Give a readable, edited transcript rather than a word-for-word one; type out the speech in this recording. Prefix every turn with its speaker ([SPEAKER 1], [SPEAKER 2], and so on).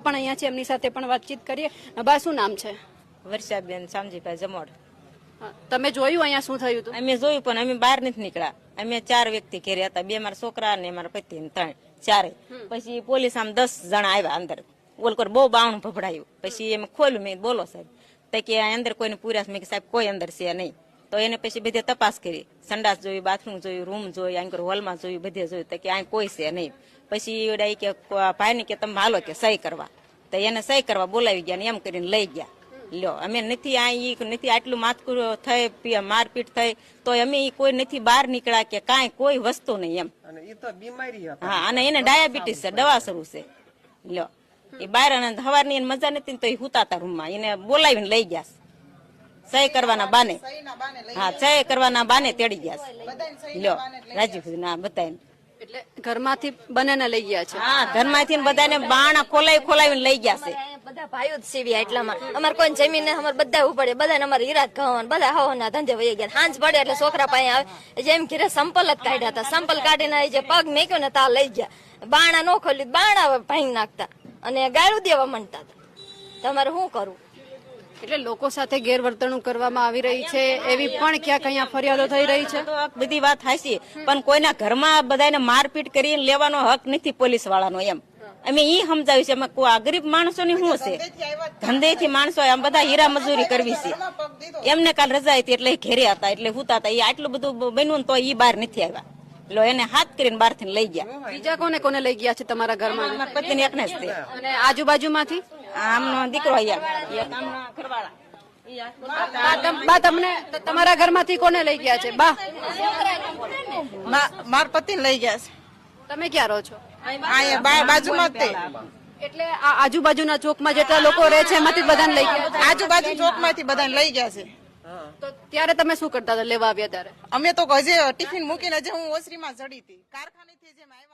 [SPEAKER 1] પણ અહીંયા છે, એમની સાથે પણ વાતચીત કરીએ. બા, શું નામ છે?
[SPEAKER 2] વર્ષાબેન શામજીભાઈ જમોડ.
[SPEAKER 1] તમે જોયું અહીંયા શું થયું હતું?
[SPEAKER 2] અમે જોયું પણ અમે બહાર નથી નીકળ્યા. અમે 4 વ્યક્તિ ઘેરે હતા, 2 મારા છોકરા ને મારા પતિ ને 3 ચારે. પછી પોલીસ આમ 10 જણા આવ્યા અંદર. ઓલકર બહુ બાવણું ભભડાયું. પછી એમ ખોલ્યું, મેં બોલો સાહેબ તો કે અંદર કોઈને પૂર્યા. મેં કે સાહેબ કોઈ અંદર છે નહીં. તો એને પછી બધે તપાસ કરી, સંડાસ જોયું, બાથરૂમ જોયું, રૂમ જોયું, આંકર હોલમાં જોયું, બધે જોયું તો કે આ કોઈ છે નહીં. પછી કે ભાઈ ને કે તમે હાલો કે સહી કરવા. તો એને સહી કરવા બોલાવી ગયા ને એમ કરીને લઈ ગયા. લ્યો, અમે નથી નથી આટલું માથકું થઈ, મારપીટ થઈ તો અમે કોઈ નથી બહાર નીકળ્યા કે કાંઈ કોઈ વસ્તુ નહીં એમ. હા, અને એને ડાયાબિટીસ છે, દવા શરૂ છે. લ્યો, એ બહાર સવારની મજા નથી તો એ હુતાતા રૂમમાં એને બોલાવીને લઈ ગયા. સહી કરવાના બાને, હા, સહી કરવાના બાને તેડી ગયા. લ્યો, રાજીવ ના બધાને
[SPEAKER 1] એટલે ઘરમાંથી બંનેને લઈ ગયા છે?
[SPEAKER 2] હા, ઘરમાંથી બધાને બાણા ખોલાવીને લઈ ગયા છે.
[SPEAKER 3] બધા ભાઈઓ જ સીવ્યા એટલામાં અમારે કોઈ જમીન અમારે બધા ઉપડે, બધા અમારે હીરા ઘઉં બધા હવાના ધંધે વહી ગયા. સાંજ પડે એટલે છોકરા પાસે આવે, જેમ ઘરે સંપલ જ કાઢ્યા હતા. સંપલ કાઢીને જે પગ મેક્યો ને તા લઈ ગયા. બાણા નો ખોલ્યું, બાણા ભાંગી નાખતા અને ગાળું દેવા માંડતા હતા. તમારે શું કરવું?
[SPEAKER 1] એટલે લોકો સાથે ગેરવર્તણૂક કરવામાં આવી રહી છે, એવી પણ ક્યાંક અહીંયા ફરિયાદો થઈ રહી છે.
[SPEAKER 2] બધી વાત હાચી, પણ કોઈના ઘરમાં બધાને મારપીટ કરીને લેવાનો હક નથી પોલીસ વાળાનો એમ. અમે ઈ સમજાવ્યું છે. અમે ગરીબ માણસો ની શું છે, ધંધેથી માણસો આમ બધા હીરા મજૂરી કરવી છે. એમને કાલ રજા હતી એટલે ઘેરે હતા, એટલે હુતા હતા. એ આટલું બધું બન્યું ને તો ઈ બહાર નથી આવ્યા. એટલે એને હાથ કરીને બહાર થી લઈ ગયા.
[SPEAKER 1] બીજા કોને કોને લઈ ગયા છે તમારા ઘરમાં?
[SPEAKER 2] મારા પતિ ને એકને જ તે.
[SPEAKER 1] અને આજુબાજુમાંથી
[SPEAKER 2] આમનો દીકરો અહીંયા, એક આમના ઘરવાળા.
[SPEAKER 1] બા, તમને તમારા ઘરમાંથી કોને લઈ ગયા છે? બા,
[SPEAKER 4] માર પતિ લઈ ગયા છે.
[SPEAKER 1] તમે ક્યાં રહો છો?
[SPEAKER 4] અહીંયા બાજુમાં જ તે.
[SPEAKER 1] એટલે આ આજુબાજુના ચોકમાં જેટલા લોકો રહે છે એમાંથી બધાને લઈ ગયા?
[SPEAKER 4] આજુબાજુ ચોકમાંથી બધાને લઈ ગયા છે.
[SPEAKER 1] તો ત્યારે તમે શું કરતા હતા લેવા આવ્યા ત્યારે?
[SPEAKER 4] અમે તો હજી ટિફિન મૂકીને હજી હું ઓસરીમાં ચડી હતી, કારખાનેથી જેમ આવ્યા.